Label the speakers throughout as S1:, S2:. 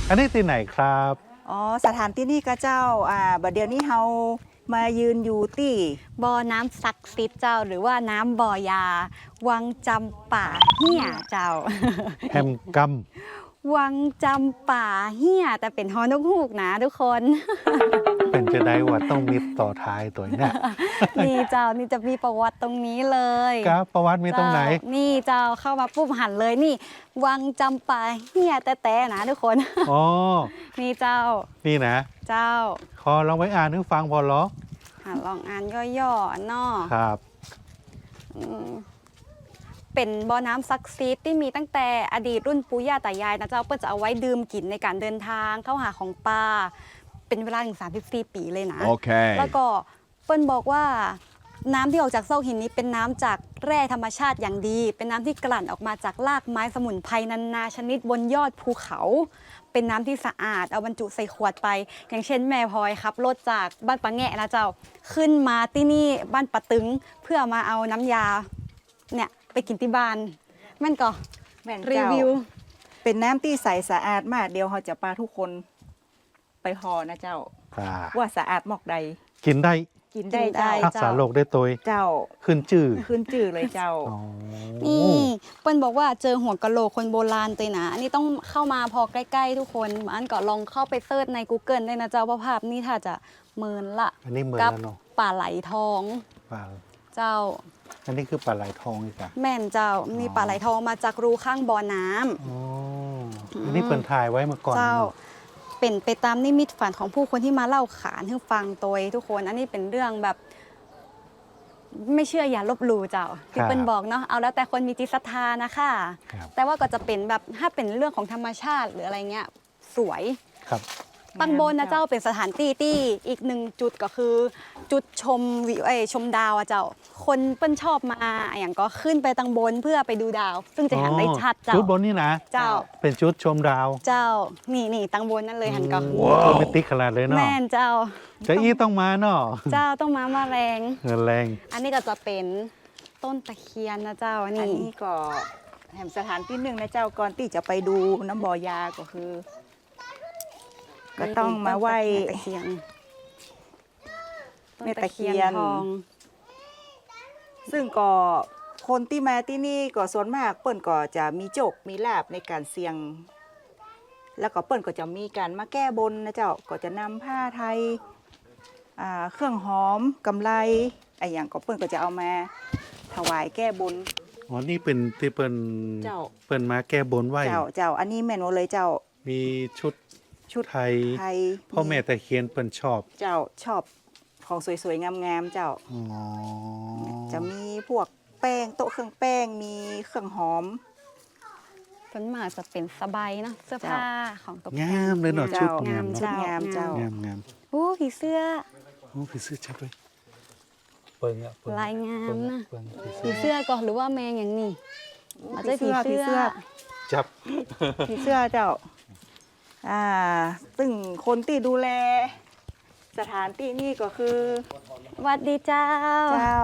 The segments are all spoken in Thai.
S1: อันนี้ที่ไหนครับ
S2: อ๋อสถานที่นี่ก็เจ้าบัดเดี๋ยวนี้เฮามายืนอยู่ที่
S3: บ่อน้ำศักดิ์สิทธิ์เจ้าหรือว่าน้ำบ่อยา วังจำป่าเฮี่ยเจ้า
S1: แฮมกัม
S3: วังจำป่าเฮี่ยแต่เป็นฮอนกฮูกนะทุกคน
S1: เป็นจะได้ว่าต้องมีต่อท้ายตัวเนี่ย
S3: นี่เจ้านี่จะมีประวัติตรงนี้เลย
S1: ครับประวัติมีตรงไหน
S3: เจ้านี่เจ้าเข้ามาปุ๊บหันเลยนี่ วังจำป่าเฮี่ยแต่นะทุกคน
S1: อ๋อ
S3: นี่เจ้า
S1: นี่นะ
S3: เจ้า
S1: ขอลองไปอ่านให้ฟังพอเหรอ
S3: ลองอ่านย่อๆเนาะ
S1: ครับ
S3: อืมเป็นบ่อน้ำศักดิ์สิทธิ์ที่มีตั้งแต่อดีตรุ่นปู่ย่าตายายนะเจ้าเพื่อจะเอาไว้ดื่มกินในการเดินทางเข้าหาของป่าเป็นเวลาถึง34 ปีเลยนะ
S4: Okay.
S3: แล้วก็เปิ้ลบอกว่าน้ำที่ออกจากซอกหินนี้เป็นน้ำจากแร่ธรรมชาติอย่างดี เป็นน้ำที่กลั่นออกมาจากรากไม้สมุนไพรนานาชนิดบนยอดภูเขา เป็นน้ำที่สะอาดเอาบรรจุใส่ขวดไป อย่างเช่นแม่พลอยครับรถจากบ้านปะแงะนะเจ้าขึ้นมาที่นี่บ้านปะตึงเพื่อมาเอาน้ำยาเนี่ยไปกินที่บ้านแม่นก็
S2: แม่น
S3: รี
S2: เจ้า
S3: วิว
S2: เป็นน้ำที่ใสสะอาดมากเดี๋ยวเขาจะพาทุกคนไปหอนะเจ้า ว่าสะอาดหมอกใด
S1: กินได้
S2: กินได้เจ้า
S1: รักษาโรคได้ตัว
S2: เจ้า
S1: ขึ้นจื่อ
S2: ขึ้นจื่อเลยเจ้า
S1: อ๋อ
S3: นี่เปิ้ลบอกว่าเจอหัวกะโหลกคนโบราณตัวนะอันนี้ต้องเข้ามาพอใกล้ๆทุกคนอันก็ลองเข้าไปเซิร์ชใน Google ได้นะเจ้าว่าภาพนี่ถ้าจะเมินละ
S1: อันนี้เหมือน
S3: กั
S1: แล้วเนาะ
S3: ป่าไหลทอง
S1: ปลา
S3: เจ้า
S1: อันนี้คือปลาไหลทองอีกอะ
S3: แม่นเจ้ามีป่าไหลทองมาจากรูข้างบ่อน้ำ
S1: อ๋ออันนี้เปิดถ่ายไว้มาก่อน
S3: เจ้า
S1: เนาะ
S3: เป็นไปตามนิมิตฝันของผู้คนที่มาเล่าขานให้ฟังตัวทุกคน อันนี้เป็นเรื่องแบบ ไม่เชื่ออย่าลบหลู่เจ้าที่เปิ้ลบอกเนาะเอาแล้วแต่คนมีจิตศรัทธานะคะ
S1: ครับ
S3: แต่ว่าก็จะเป็นแบบถ้าเป็นเรื่องของธรรมชาติหรืออะไรเงี้ยสวย
S1: ครับ
S3: ตังบนนะเจ้าเป็นสถานที่ที่อีกหนึ่งจุดก็คือ จุดชมวิวชมดาวอะเจ้า คนเปิ้ลชอบมาอย่างก็ขึ้นไปตังบนเพื่อไปดูดาว ซึ่งจะเห็นได้ชัดเจ้า
S1: จุดบนนี่นะ
S3: เจ้า
S1: เป็นจุดชมดาว
S3: เจ้านี่ตังบนนั่นเลยหันก็
S1: โรแมนติกขนาดเลยเนาะ
S3: แม่นเจ้า
S1: จะอี้ต้องมาเนาะ
S3: เจ้าต้องมาแรง
S1: เงินแรง
S3: อันนี้ก็จะเป็นต้นตะเคียนนะเจ้า
S2: อัน
S3: นี่
S2: นี้ก็แห่งสถานที่หนึ่งนะเจ้าก่อนที่จะไปดูน้ำบ่อยาก็คือ ก็ต้องมาไหว้
S3: ต้นตะเคียน
S2: แม่ตะเคียน
S3: ทอง
S2: ซึ่งก็คนที่มาที่นี่ก็ส่วนมากเปิ้นก็จะมีโจกมีลาบในการเสี่ยง แล้วก็เปิ้นก็จะมีการมาแก้บนนะเจ้าก็จะนำผ้าไทยเครื่องหอมกำไลไอ้อย่างก็เปิ้นก็จะเอามาถวายแก้บน
S1: อ๋อ นี่เป็นที่เปิ้น
S2: เจ้า
S1: เปิ้นมาแก้บนไหว
S2: เจ้าอันนี้แม่นว่าเลยเจ้า
S1: มีชุด
S2: ชุด
S1: ไทย
S2: ไทย
S1: พ่อแม่ตะเคียนเปิ้นชอบ
S2: เจ้าชอบของสวยๆงามๆเจ้า
S1: อ๋อ
S2: จะมีพวกแป้งโต๊ะเครื่องแป้งมีเครื่องหอม
S3: ส่วนมากจะเป็นสบายเนาะเสื้อผ้าของตกแต่
S1: งามเลยเนาะ
S2: เจ้า
S1: ชุดงาม
S2: ชุด
S1: เนาะ
S2: งามเจ้า
S1: งามงาม
S3: โอ้ผีเสื้อ
S1: โอ้ผีเสื้อชัดเลยเปิงอะเปิง
S3: ลายงามนะ
S1: เปิงผี
S3: ผี
S1: เสื้อ
S3: เสื้อก็หรือว่าแมงอย่างนี้อาจจะผีเสื้อ
S1: จับ
S2: ผีเสื้อเจ้า ซึ่งคนที่ดูแล สถานที่นี่ก็คือ
S3: หวัดดีเจ้า
S2: เจ้า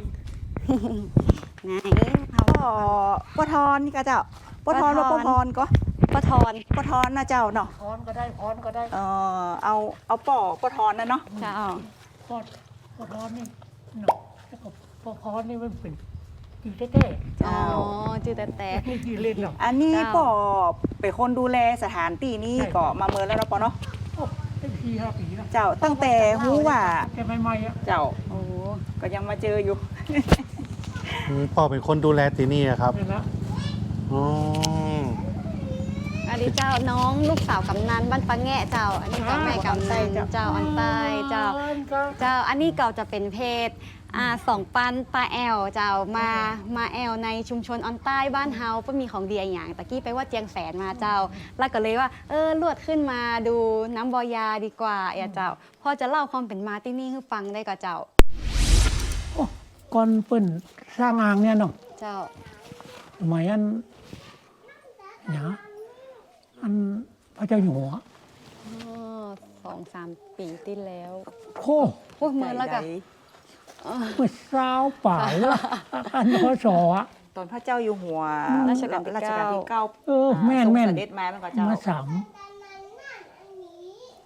S3: ไหนเอา
S2: ป้อทอนนี่ก็เจ้าป้อทอน
S3: ป้
S2: ว่า
S3: อ
S2: ป้อ
S3: ท
S2: พ
S3: อน
S2: รก็
S3: ป้าทอน
S2: ป้อทอนนะเจ้าเนาะ
S5: พรก็ได้พรก็ได้
S2: เอาป้อทอนนะเนาะ
S3: เจ้า
S5: พรพรนี่เนาะแล้วก็พรนี่มันเป็นจีเต้
S3: อ๋อจืดแต่
S5: ๆไม่จีเล่นหรอก
S2: อันนี้
S3: เจ้า
S2: ป้อเป็นคนดูแลสถานที่นี้ก็มาเมินแล้วเนาะป้อเนาะ
S5: โอ้ได้4-5 ปีแล้ว
S2: เจ้าตั้งแต่รู้ว่า
S5: แต่ใหม่ๆอ่ะ
S2: เจ้า
S3: โอ้
S2: ก็ยังมาเจออยู่
S1: พ่อเป็นคนดูแลที่นี่อะครับ
S5: เห็นแล้ว
S1: อ๋อ
S3: อันนี้เจ้าน้องลูกสาวกำนันบ้านปะแงะเจ้า อันนี้ก็แม่กำนันเจ้าอันใต้เจ้า เจ้าอันนี้เก่าจะเป็นเพจสองปันปลาแอลเจ้ามาแอลในชุมชนออนใต้บ้านเฮาก็มีของดีอย่างตะกี้ไปว่าเจียงแสนมาเจ้า แล้วก็เลยว่าลวดขึ้นมาดูน้ำบอยาดีกว่าเจ้าพอจะเล่าความเป็นมาที่นี่ให้ฟังได้ก็เจ้า
S5: โอ้ก่อนเปิ้นสร้างอ่างเนี่ยเนาะ
S3: เจ้า
S5: สมัยอันอันพระเจ้าอยู่หัว
S3: 2-3 ปีที่แล้ว
S5: โค
S3: พวกมือแล้วก็
S5: เมื่อเช้าป่ายแล้วอันพศอ่ะ
S2: ตอนพระเจ้าอยู่หัว
S3: รัชกาลที่
S2: รัชกาลที่
S3: เก้า
S2: 9
S5: แม่น
S2: ทรงเสด็จมามันก็เจ้า
S5: มา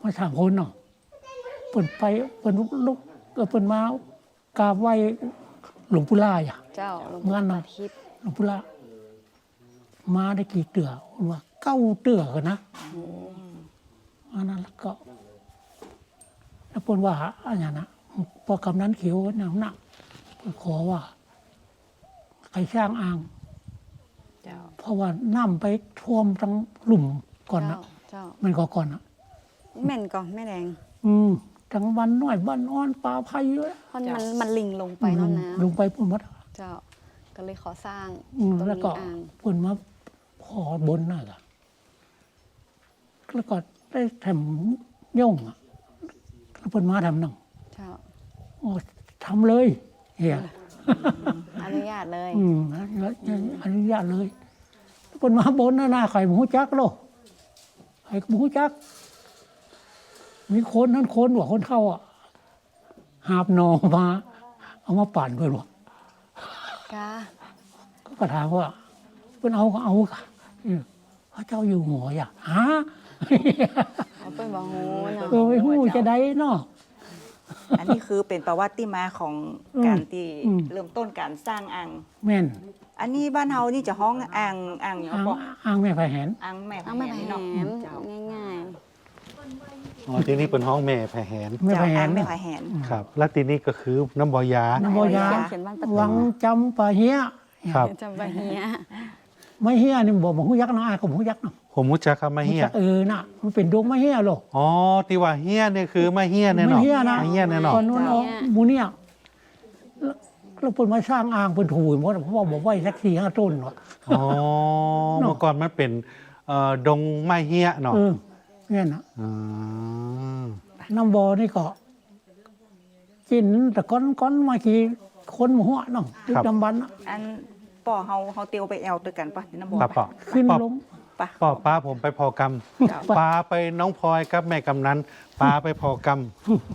S5: มาสามคนเนาะเปิ่นไปเปิ่นลุกเปิ่นมากราบไหว้หลวงปู่ล่าอ่ะ
S3: เจ้าหลวง
S5: เมื่อ
S3: ปู่
S5: น่ะ
S3: ตาทิพย์
S5: หลวงปู่ล่ามาได้กี่เตือว่า9 เตือกันนะอันนั้นแล้วก็แล้วเปิ่นว่าอันนั้นนะพอกำนั้นเขียวหนักเปิ่นขอว่าใครสร้างอ่าง
S3: เจ้า
S5: เพราะว่าน้ำไปท่วมทั้งหลุมก่อนนะ
S3: เจ้า
S5: มันก็ก่อนนะ
S3: แม่นก่อนแม่แดง
S5: ทั้งบ้านน้อยบ้านอ่อนป่าไผ่เยอะ
S3: เพราะมันลิงลงไปเนาะน้
S5: ลงไปพุ่นมัด
S3: ำเจ้าก็เลยขอสร้าง
S5: แล้ว
S3: ตรง
S5: ก็
S3: นี้อ่าง
S5: พุ่นมาขอบนน่ะล่ะแล้วก็ได้ทำย่งอ่ะแล้วพุ่นมาทำนั่ง
S3: เจ้า
S5: อ๋อทำเลยเฮีย
S3: อนุญาตเลย
S5: อนุญาตเลยพุ่นมาบนน่ะไข่หมูจักโลไข่หมูจัก มีคนนั้นคนว่าคนเข้าอ่ะหาบหนอมา เอามาปั่นเพื่อนว่ะ
S3: กา
S5: ก็ถามว่าเพื่อนเอาก็เอาค่ะพระเจ้าอยู่หัวอย่าฮะ
S3: เอาเป็นบ่ฮู้เนาะ
S5: ไม่หู้จะได้เนาะ
S2: อันนี้คือเป็นประวัติมาของการที่
S5: อืม
S2: เริ่มต้นการสร้างอ่าง
S5: แม่น
S2: อันนี้บ้านเฮานี่จะห้องอ่างอย่าง
S5: อ้าง
S2: บ่
S5: อ้างแม่ไฟแหน
S2: อ่างแม่
S3: เอาไม่
S2: แห
S3: แห
S2: นเนาะ
S3: ม
S2: เจ้า
S3: ง่าย
S1: อ๋อที่นี่เป็นห้องแม่แผ่แหน
S5: แม่ไฟ
S2: เจ้า
S5: แห
S2: อ่าง
S5: น
S2: แม่
S5: เนี่ย
S2: ไผ่แหน
S1: ครับ และที่นี่ก็คือน้ำบอยา
S5: น้ำบอยา
S3: เขียนบ้านประตู
S5: วังจำปาเฮีย
S1: ครับ
S3: จำไปเฮีย
S5: ไม่เฮียนี่บอกหูยักษ์นะอ้ายก็หูยักษ์เนาะ
S1: ผมมุจักครับมาเฮีย
S5: น่ะมันเป็นดวงไม่เฮียหรอก
S1: อ๋อที่ว่าเฮียเนี่ยคือมาเฮียแน่นอน
S5: ไม่เฮียนะ
S1: มาเฮียแน่นอน
S5: ตอนนู้นเอาหมูเนี่ยแล้วเพิ่นมาสร้างอ่างเป็นถูหมดเพราะว่าบอกไว้สัก4-5 ต้นวะ
S1: อ๋อเมื่อก่อนมันเป็นดงไม้เฮียเนาะ
S5: เนี่ยนะ
S1: อืม
S5: น้ำบอนี่ก็กินแต่ก้อนมากี่คนหัวเนาะดึกดำบรรพ์น่ะ
S2: อันป่อเฮาเตียวไปแอลด้วยกันปะที่น้ำบ่
S1: ป้า
S2: ปะ
S1: ปอ
S5: ขึ้น
S1: ป้า
S5: ลง
S2: ปะ
S1: ป้าผมไปพอกรรม
S2: เจ้า
S1: ป้าไปน้องพลอยกับแม่กำนันป้าไปพอกรรม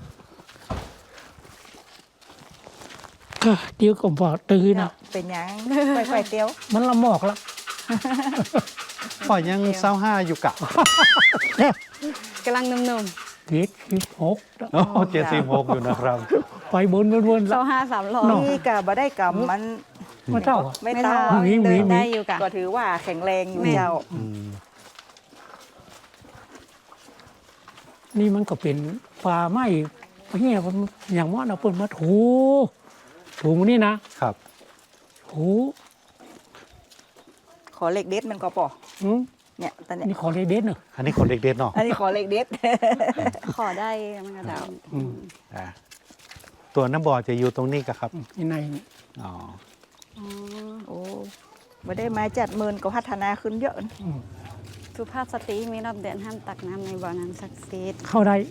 S5: ก็เดี๋ยวก็บอกตื่น
S2: เจ้า
S5: อ่ะ
S2: เป็นหยังไปเตียว
S5: มันละหมอกละ
S1: ป้ายัง25อยู่กะ
S3: กำลังหนุ่ม
S5: 16
S1: โอ้76อยู่นะครับ
S5: ไปบน
S3: ๆ
S5: ละ
S3: เจ้า5-300
S2: นี่กะบ่ได้กำมัน
S5: มาเท่าอะ
S2: ไม่
S3: ไม่
S2: เท่า
S3: เท่า
S5: หมี
S3: เดิน
S5: หมี
S3: ได้อยู่กะ
S2: ก็ถือว่าแข็งแรงอยู่
S3: แม่
S2: เจ้า
S1: อืม
S5: นี่มันก็เป็นป่าไม้เงี้ยมันอย่างว่าเราเปิดมาถูมันนี่นะครับ ถู
S2: ขอเลขเด็ดมันก็ป่อ
S5: อืม
S2: เนี่ยตอนเนี้ย
S5: นี่ขอเด็ดๆเนอะ
S1: อันนี้คนเด็กๆเนาะ
S2: อันนี้ขอเลขเด็ด
S3: ขอได้มันก็เจ้า
S1: อ่าตัวน้ำบอจะอยู่ตรงนี้ก็ครับ
S5: นี่ในนี่
S1: อ๋อ
S3: อ๋อ
S2: โอ้บ่ได้มาจัดเมินก็พัฒนาขึ้นเยอะนะ
S3: สุภาพสตรีมีรอบเดือนห้ามตักน้ำในบ่อน้ำศักดิ์สิทธิ์
S5: เข้าได้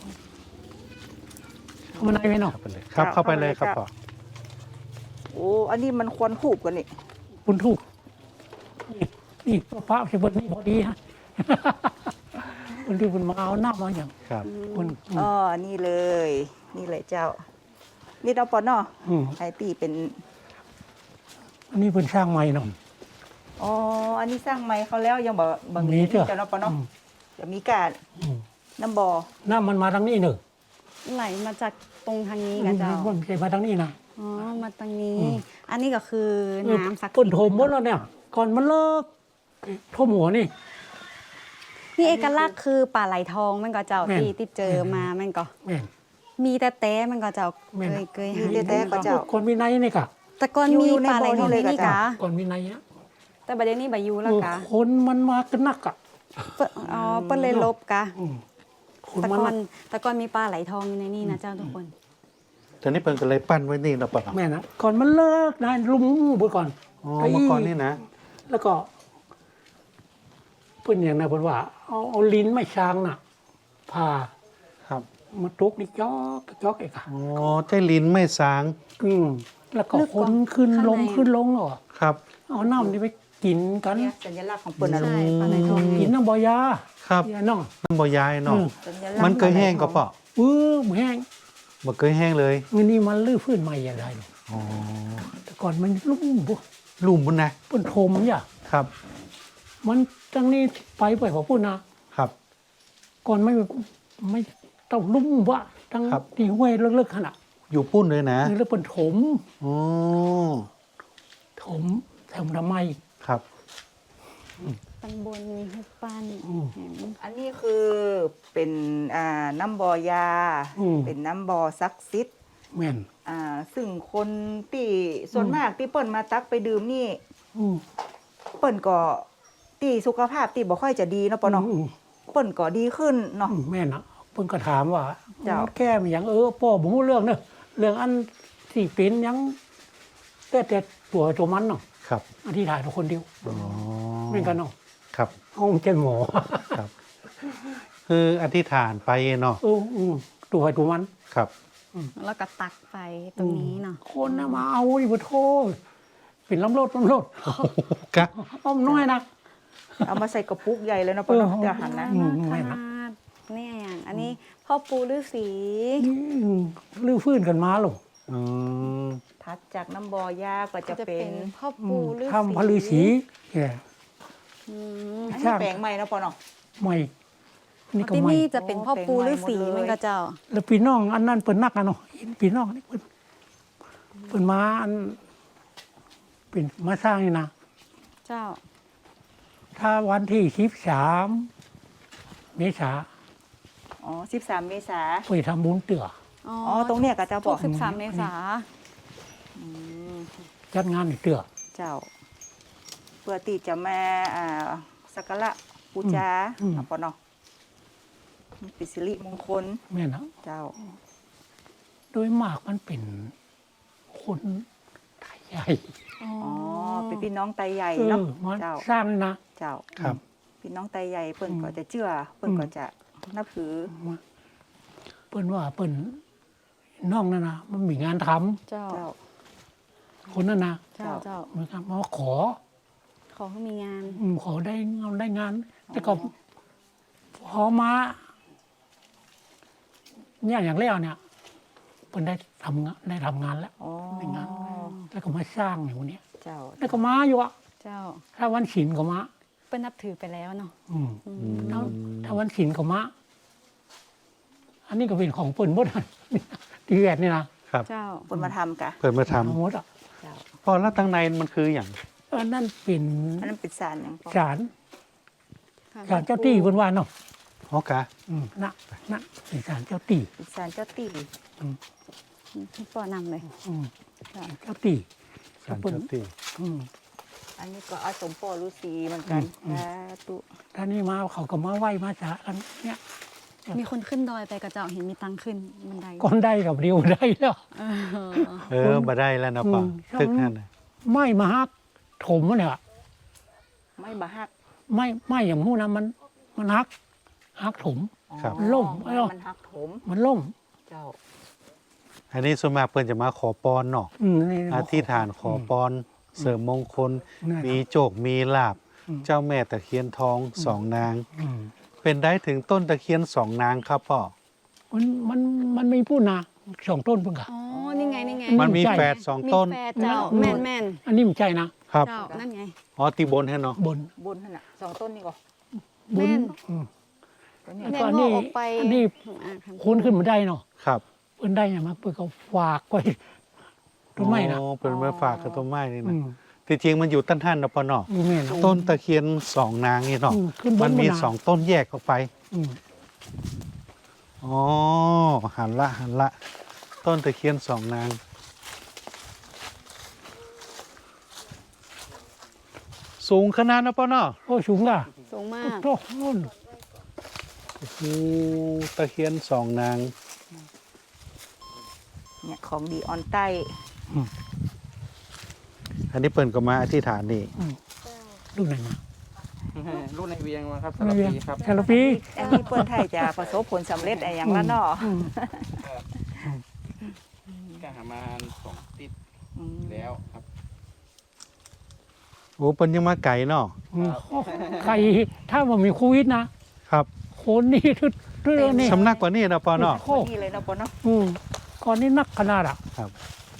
S5: เข้ามาในไหมเนาะ
S1: เข้าไปเลยครับเข้าไปเลยครับพ่อ
S2: โอ้อันนี้มันควรผูกกันนี่
S5: คุณถูกนี่ป้าเฉพาะนี่พอดีฮะ คนที่คุณมาเอาหน้ามาอย่าง
S1: ครับ
S5: คุณ
S2: อ๋อนี่เลย นี่เลยเจ้า นี่เราปอนเนาะ
S5: ม
S2: ไอตีเป็น
S5: อันนี้เป็นสร้างใหม่เนาะ
S2: อ๋ออันนี้สร้างไม้เขาแล้วยังบ่
S5: มี
S2: มี
S5: เจ้า
S2: เจ้าเนาะปอนเนาะ
S5: อืม
S2: จะมีการน้ำบ่อ
S5: น้ำมันมาทางนี้เนอะ
S3: ไหลมาจากตรงทางนี้กันเจ้า
S5: มันใช่มาทางนี้นะ
S3: อ๋อ มาตรงนี้ อันนี้ก็คือน้ำศักดิ์
S5: ก้น
S3: สิท
S5: โถม
S3: ธิ์
S5: หมดแล้วเนี่ย ก่อนมันเลิกโถมหัวนี่
S3: นี่เอกลักษณ์คือปลาไหลทองมันก็เจ้า
S5: แม่น
S3: ที่เจอมามันก็
S5: แม่น
S3: มีแต่แต้มันก็เจ้า
S5: แม่น
S3: เคย
S2: มี
S3: หา
S2: แต่ก็เจ้า
S5: คนมีในนี่กะ
S3: แต่ก่อนมี
S2: อยู่ใน
S3: ปลาไหลทอง
S2: บ่อนี่เลย
S3: นี่
S2: กะเจ้า
S3: กะ
S5: ก่อนมีในอ่ะ
S3: แต่ประเดี๋ยวนี้บายูแล้วกะ
S5: คนมันมากันนักอ่ะ
S3: อ๋อเปิ้นเลยลบกะ
S5: คน
S3: แต่
S5: มัน
S3: ก่อ
S5: นั
S3: น
S5: ก
S3: แต่ก่อนมีปลาไหลทองอยู่ในนี่นะเจ้าทุกคน
S1: ตอนนี้เพิ่นก็เลยปั้นไว้นี่เนาะป่ะ
S5: แม่นะก่อนมันเลิกนะลุมบนก่อน
S1: อ๋อเมื่อก่อนนี่นะ
S5: แล้วก็เพิ่นอย่างนั้นเพิ่นว่า เอาลิ้นไม่ช้างน่ะผ่า
S1: ครับ
S5: มาตุกนี่จอกไอ้ค่ะ
S1: อ๋อใจลิ้นไม่สาง
S5: แล้วก็คนขึ้นลงขึ้นลงเหรอ
S1: ครับ
S5: เอาน้ำนี่ไปกินกัน
S2: เนี่ยสัญลักษณ์ของเปิ้นนะลู
S3: ใช่
S2: ก
S3: ปลาไหลทอง
S5: กินน้ำบอยา
S1: ครับ
S5: เนี่ยน้อง
S1: น้ำบ่ยายเนาะ
S2: สัญลักษณ์
S1: มันเคยแห้งก็ป่ะ
S5: แห้ง
S1: บ่เคยแห้งเลย
S5: เงินนี่มันลื้อฟื้นใหม่อย่างไรหรอก
S1: อ๋อ
S5: แต่ก่อนมันลุ่มบุ
S1: ลุ่มบุญนะ
S5: เปิ้นโทมอย่า
S1: ครับ
S5: มันจังนี้ไปพอพูดนะครับ ก่อนไม่ไม่ต้องลุ่มวะทั้ง
S1: ครับ
S5: ที่ห้วยเลิกๆขนาด
S1: อยู่ปุ้นเลยนะ
S5: แล้วเป็นถม
S1: อ๋อ
S5: ถมทำทำไม
S1: ครับ
S3: ตำบลมีหุบปั้น
S5: อืม
S3: เห็น
S2: อันนี้คือเป็นน้ำบ่อยา
S5: อืม
S2: เป็นน้ำบ่อซักซิด
S5: แม่น
S2: ซึ่งคนที่ส่วนมากที่เปิ้นมาตักไปดื่มนี่
S5: อืม
S2: เปิ้นก็ที่สุขภาพที่บ่ค่อยจะดีเนาะปะเนาะ
S5: อืม
S2: เปิ้นก็ดีขึ้นเนาะ
S5: แม่น่ะเพิ่นก็ถามว่า
S2: เจ้า
S5: แก้มันหยังพ่อบ่รู้เรื่องเนอะเรื่องอันที่เป็นหยังแต่ตัวมันเนาะ
S1: ครับ
S5: อธิษฐานคนเดียว
S1: อ๋อ
S5: แม่นกันเนาะ
S1: ครับ
S5: ห้องเจ้าหมอ
S1: ครับ คืออธิษฐานไปเนาะ
S5: ตัวใครตัวมัน
S1: ครับ
S3: แล้วก็ตักไปตรงนี้เนาะ
S5: คนน่ะมาเอาดิบ่โทษเป็นลำรถ
S1: กะ
S5: อ้อมน้อยนะ
S2: เอามาใส่กระปุกใหญ่เลยเนาะปะเนาะจะหันนะ
S5: อืม
S3: ข
S5: แม่น
S3: นา
S5: นะ
S3: ดนี่อย่างอันนี้พ่อปูฤาษี
S5: ลื้อฟื้นกันมาหรอ
S1: อืม
S2: ถัดจากน้ำบ่อยาก็จะเป็น
S3: พ่อปูฤาษี
S5: ทำพระฤาษีแก่
S3: อืม
S2: อันนี้แปลงใหม่เนาะปะเนาะ
S5: ใหม่นี่ก็
S3: ที่
S5: ใหม่
S3: นี่จะเป็นพ่อปูฤาษี
S2: โอ้
S3: มันก็เจ้า
S5: แล้วพี่น้องอันนั้นเปิ่นนักอะเนาะเห็นพี่น้องนี่เปิ่นมาอันเป็นมาสร้างนี่นะ
S3: เจ้า
S5: ถ้าวันที่13 เมษา
S2: อ๋อ13 เมษา
S5: ไปทำบุญเตื่อ
S3: อ๋อ
S2: อ๋อตรงเนี้ยก็จะบ
S3: ทุ
S2: อก
S3: ก13 เมษา
S2: อืม
S5: จัดงานในเตื่อ
S2: เจ้า เพื่อที่จะมาสักการะบูชาเนาะปะเนาะเป็นสิริมงคล
S5: แม่นะ
S2: เจ้า
S5: โดยมากมันเป็นคนไทยใหญ่
S3: อ๋อ
S2: อ๋อ เป็นพี่น้องไตใหญ่
S5: เอ
S2: เนาะ
S5: อมา
S2: เจ้า
S5: สร้างนี่นะ
S2: เจ้า
S1: ครับ
S2: พี่น้องไตใหญ่เปิ้นก็จะเชื่อ เปิ้นก็จะนับถือ
S5: มาเปิ่นว่าเปิ่นน้องนั่นนะมันมีงานทำ
S3: เจ้า
S2: เจ้า
S5: คนนั้นนะ
S3: เจ้า เจ้า
S5: เหมือนกันมาขอ
S3: ขอให้มีงาน
S5: ขอได้งาน แต่ก็พอมาเนี่ยอย่างแรกเนี่ยเพิ่นได้ทำงานแล้ว
S2: อ๋อ
S5: ได้งาน แล้วก็มาสร้างอยู่เนี่ย
S2: เจ้า
S5: แล้วก็มาอยู่อะ
S3: เจ้า
S5: ถ้าวันศีลก็มา
S3: เปิ้นนับถือไปแล้วเนาะ
S5: อืม
S3: อื
S1: อื
S3: ม
S1: ม
S5: ถ้าวันศีลก็มาอันนี้ก็เป็นของเปิ้นหมดอะ ที่แวดนี่นะครับ
S3: เจ้า
S2: เปิ้นมาทำกะ
S1: เปิดมาท
S5: ทั้งหมดอ่ะ
S2: เจ้า
S1: ำพอแล้วตั้งในมันคืออย่าง
S5: อันนั้นเป็น
S2: อันนั้นเป็นสารอย่างปะ
S5: ศาลเจ้าตี้เพิ่นว่าเนาะ
S1: อ๋อกะ
S5: นะเป็นศาลเจ้าตี้
S2: เป็นสารเจ้าตี
S3: ที่ปอนำเลย
S5: อืมเจ้าตี้
S1: สารเจ้าที่
S5: อืม
S2: อันนี้ก็อาสมปอฤาษีเหมือนกันสาธุ
S5: ท่านี่มาเขาก็มาไหว้มาสากันเนี่ย
S3: มีคนขึ้นดอยไปกับเจ้าเห็นมีตังขึ้นบันได
S5: ก้อนได้กับเดียวได้แล้ว
S3: เออ
S1: มาได้แล้วนะป่ะ
S5: อืม
S1: ตึกนั่นน่ะ
S5: ไม่มาฮักถมเนี่ย
S2: ไม่บาฮัก
S5: ไม่อย่างหู้นะมันฮักถม
S1: ครับ
S5: ล่ม
S2: อ๋อมันฮักถม
S5: มันล่ม
S2: เจ้า
S1: อันนี้ส่วนมากเพิ่นจะมาขอพรเนาะ
S5: นี่
S1: อธิษฐานขอพรเสริมมงคล
S5: นั่น
S1: มีโจกมีลาบ
S5: อืม
S1: เจ้าแม่ตะเคียนทองสองนาง
S5: อืม
S1: เป็นได้ถึงต้นตะเคียนสองนางครับพ่อ
S5: มันไม่พูดนะสองต้นเพิ่งกะ
S3: อ๋อ นี่ไง นี่ไง
S1: มันมี
S5: ใช่
S1: แฝดสอง
S3: มี
S1: ต้น
S3: แฟนเจ้า
S5: อืม
S3: แม่นแม่น
S5: อันนี้มันใจนะครับ
S3: เจ้า นั่นไง
S1: อ๋อตีบนให้เนาะ
S5: บน
S2: บุญนั่นน่ะ2 ต้นนี่ก็
S5: บ
S3: แม่
S5: น
S3: น
S5: อืม
S2: ตัวนี้
S5: แล้ว
S3: แม่
S5: ก็
S3: น
S5: อัน
S3: ง
S5: นี้
S3: อกออกไป
S5: อันนี้
S3: ครับ
S5: คนขึ้นมาได้เนาะ
S1: ครับ
S5: เพิ่นได้เนี่ยมาเพิ่นก็ฝากไว้ต้นไม้นะ
S1: อ๋อเป็นมาฝากกับต้นไม้นี่
S5: อื
S1: นะ
S5: ม
S1: ที่จริงมันอยู่ต้นท่านนะพ่อเนาะ
S5: แม่น
S1: ต้นตะเคียนสองนางนี่เนาะ
S5: ขึ้นบ
S1: มัน นมี
S5: บา
S1: สองต้นแยกออกไป
S5: อืม
S1: อ๋อหันละ ต้นตะเคียนสองนาง สูงขนาดนะพ่อเนาะ
S5: โอ้สูงล่ะ
S3: สูงมาก
S5: โอ้โหนู่น
S1: โอ้โหตะเคียนสองนาง
S2: เนี่ยของดีออนใต้
S1: อันนี้เปิ่นก็มาอธิษฐานนี่
S5: รุ่นไหนมา
S4: รุ่นในเวียงมาครับ
S5: รุ่น
S4: สาร
S5: เวียง
S4: พีครับ
S5: ชาลปี
S2: อันนี้เปิ้นไทยจะประสบผลสำเร็จอะไรอย่างละเนาะ
S5: อืม
S4: ก็หามา2 ติด
S2: อืม
S4: แล้วครับ
S1: โอ้เปิ่นยังมาไก่เนาะ
S5: อืมใครถ้ามันมีโควิดนะครับ คนนี่ทุกเรื่องนี่
S1: สำนักกว่านี้นะพ่อเนาะ
S5: โอ้
S2: นี่เลยเนาะปะเนาะ
S5: อืมก่อนนี้นักขนาดอ่ะ
S1: ครับ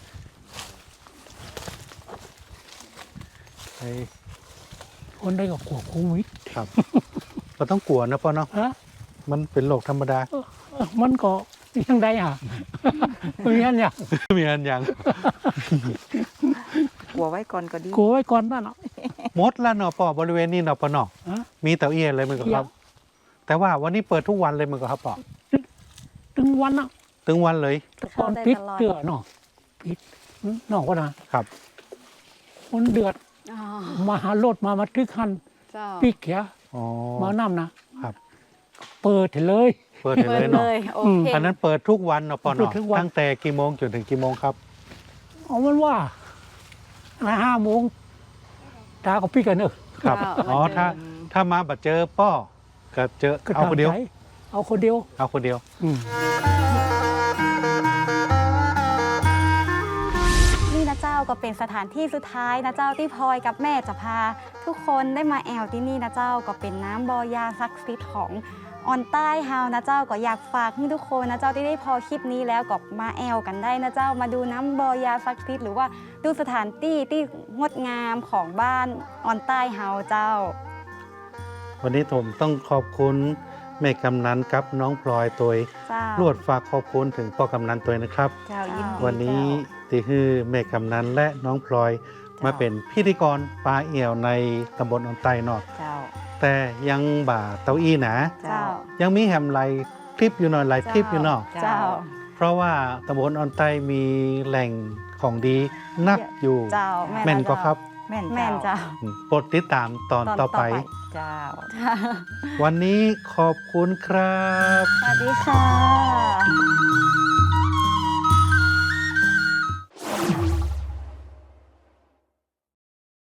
S1: ไอ้
S5: คนได้กับกลัวโควิด
S1: ครับก็ต้องกลัวนะพ่อเนาะ
S5: ฮะ
S1: มันเป็นโรคธรรมดา
S5: เออมันก็ยังได้อ่ะ มีอันอย่าง
S1: มีอันยัง
S2: หัวไว้ก่อนก็ดี
S5: กลัวไว้ก่อนบ้านเนาะ
S1: หมดแล้วเนาะปอบริเวณนี้เนาะปอเนาะ
S5: ฮะ
S1: มีเต่าเอียนเลยมันก็ครับ แต่ว่าวันนี้เปิดทุกวันเลยมันก็ครับปอ
S5: ถึงวันเนาะ
S1: ถึงวันเลย
S5: แต่ก่อนปิดเตือเนาะปิดเนาะก็นะครับ คนเดือด
S3: อ๋อ
S5: มาหารถมาทึกคัน
S3: เจ้า
S5: ปิกเขีย
S1: อ๋อ
S5: มาน้ำนะครับ เปิดให้เลย
S1: เปิดให้
S3: เปิ
S1: เล
S3: ด
S1: ย
S3: เล
S1: เนาะ
S3: ยโอเค
S1: อันนั้นเปิดทุกวันเนาะปอ
S5: เปิด
S1: เนาะ
S5: ทุกวัน
S1: ตั้งแต่กี่โมงจนถึงกี่โมงครับ
S5: เอามันว่า5 โมงตาก็ปิกกันเนอะ
S1: ครับ
S3: ว้าว
S1: อ๋อ
S3: มาเจอ
S1: ถ้ามาบัดเจอป้อก็เจอ
S5: ก็
S1: เอาคนเดียว
S5: ตมใจเอาคนเดียว
S1: เอาคนเดียว
S3: นี่นะเจ้าก็เป็นสถานที่สุดท้ายนะเจ้าที่พลอยกับแม่จะพา ทุกคนได้มาแอลที่นี่นะเจ้าก็เป็นน้ำบอยาศักดิ์สิทธิ์ของออนใต้เฮานะเจ้าก็อยากฝากให้ทุกคนนะเจ้าที่ได้พอคลิปนี้แล้วก็มาแอลกันได้นะเจ้ามาดูน้ำบอยาศักดิ์สิทธิ์หรือว่าดูสถานที่ที่งดงามของบ้านออนใต้เฮาเจ้า
S1: วันนี้ผมต้องขอบคุณแม่กำนันกับน้องพลอยตัว
S3: เจ้าร
S1: วดฝากขอบคุณถึงพ่อกำนันตัวนะครับ
S2: เจ้ายินดี
S1: วันนี้
S2: เจ้า
S1: ที่คือแม่กำนันและน้องพลอยมาเป็นพิธีกรปลาเอี่ยวในตำบลออนไตเนอก
S2: เจ้า
S1: แต่ยังบ่าเต้าอี้นะ
S3: เจ้า
S1: ยังมีแฮมไลฟ์คลิปอยู่หน่อยไลฟ์คลิปอยู่เนอก
S3: เจ้า
S1: เพราะว่าตำบลออนไตมีแหล่งของดีนักอยู่
S3: เจ้า
S1: แม่นก็ครับ
S2: แม่น
S3: แม่นเจ้า
S1: โปรดติดตามตอนต่อไป
S2: เจ้า
S1: วันนี้ขอบคุณครับ
S3: สวัสดีค่ะ